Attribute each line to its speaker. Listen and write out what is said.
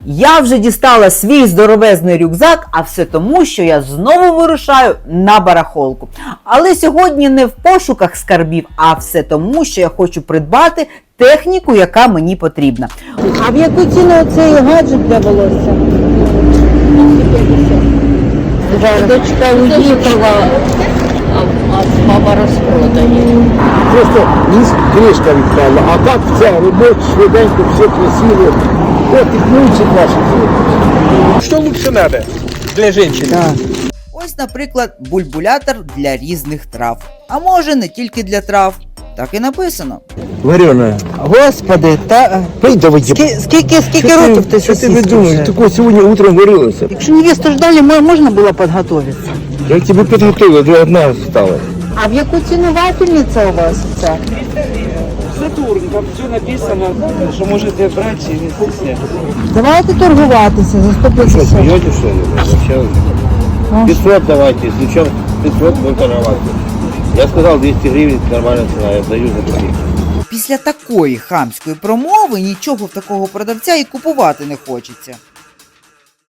Speaker 1: Я вже дістала свій здоровезний рюкзак, а все тому, що я знову вирушаю на барахолку. Але сьогодні не в пошуках скарбів, а все тому, що я хочу придбати техніку, яка мені потрібна.
Speaker 2: А в яку ціну цей гаджет для волосся? Дочка уїхала, а мама розпродає.
Speaker 3: Просто кришка відпала, а так це робоче, швиденько, все красиво. От і ключик ваші.
Speaker 4: Что лучше надо для женщины?
Speaker 1: Ось, наприклад, бульбулятор для різних трав. А може не тільки для трав. Так і написано.
Speaker 3: Варена.
Speaker 2: Господи, та
Speaker 3: Давай,
Speaker 2: скільки років ти
Speaker 3: Що ти
Speaker 2: сосиска
Speaker 3: видумаєш?
Speaker 2: вже?
Speaker 3: Такого сьогодні утром варилося.
Speaker 2: Якщо невесту ждали, можна було підготуватися.
Speaker 3: Я тебе підготував, вже одна осталась.
Speaker 2: А в яку ціну вафельниця у вас це?
Speaker 4: Сатурн, там все написано, что можете брать и не стесняйтесь.
Speaker 2: Давайте торгуватися за 150.
Speaker 3: Смеете, что ли? Вообще, 500 давайте, если что, 500 будем торговаться. Я сказал 200 гривен, нормальная цена, я даю за такие.
Speaker 1: Після такої хамської промови нічого в такого продавця і купувати не хочеться.